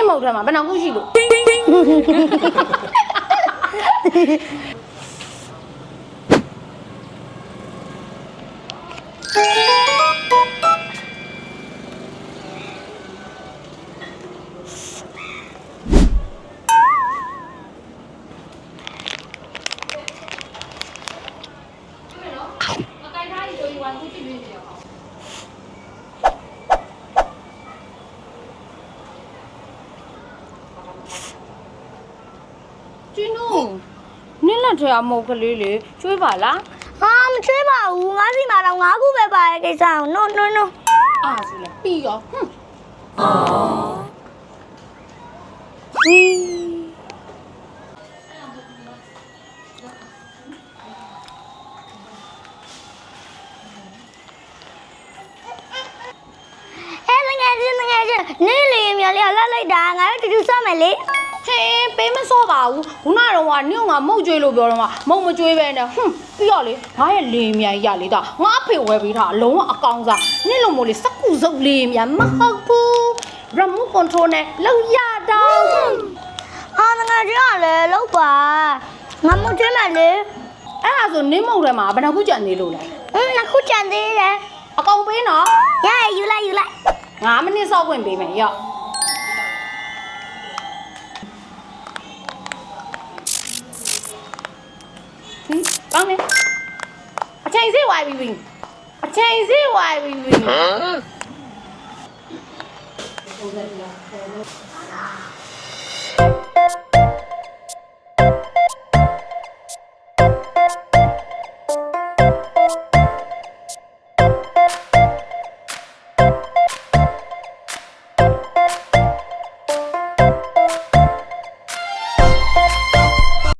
မဟုတ်တယ်မှာဘယ်နှခုရှိလို့ကျင်းတို့နင်းလက်ထဲအမုတ်ကလေးလေကျွေးပါလားဟာမချွေးပါဘူးငါးစီမှာတော့9ခုပဲပါရဲ့ကိစ္စအောင်နော်နော်အားဆိုလေပြီးရောဟွန်းနင်းလေမြလေးလှလိုက်တာငါတို့တူတူစော့မယ်လေဟင်းပေးမစော့ပါဘူးခုနကတော့ကနင့်ကမုတ်ကျွေးလို့ပြောတော့ကမုတ်မကျွေးပဲနဲ့ဟွန်းပြီးတော့လေငါရဲ့လေမြန်ရလေတာငါအဖေဝယ်ပေးထားအလုံးဝအကောင်စားနင့်လိုမို့လေစကူစုပ်လေမြန်မဟုတ်ဘူး remote control နဲ့လောက်ရတော့ဟာငါကြောက်လေလောက်ပါငါမကျွေးမယ်လေအဲ့ဒါဆိုနင်းမုတ်ထဲမှာဘယ်နှခုကြံနေလို့လဲနှစ်ခုကြံသေးတယ်အကောင်ပေးနော်ရရယူလိုက် 9မိနစ်စောက်ခွင့်ပေးမယ်ရော့ကောင်းတယ်အချိန်စေးဝိုင်းပြီအချိန်စေးဝိုင်းပြီဟမ်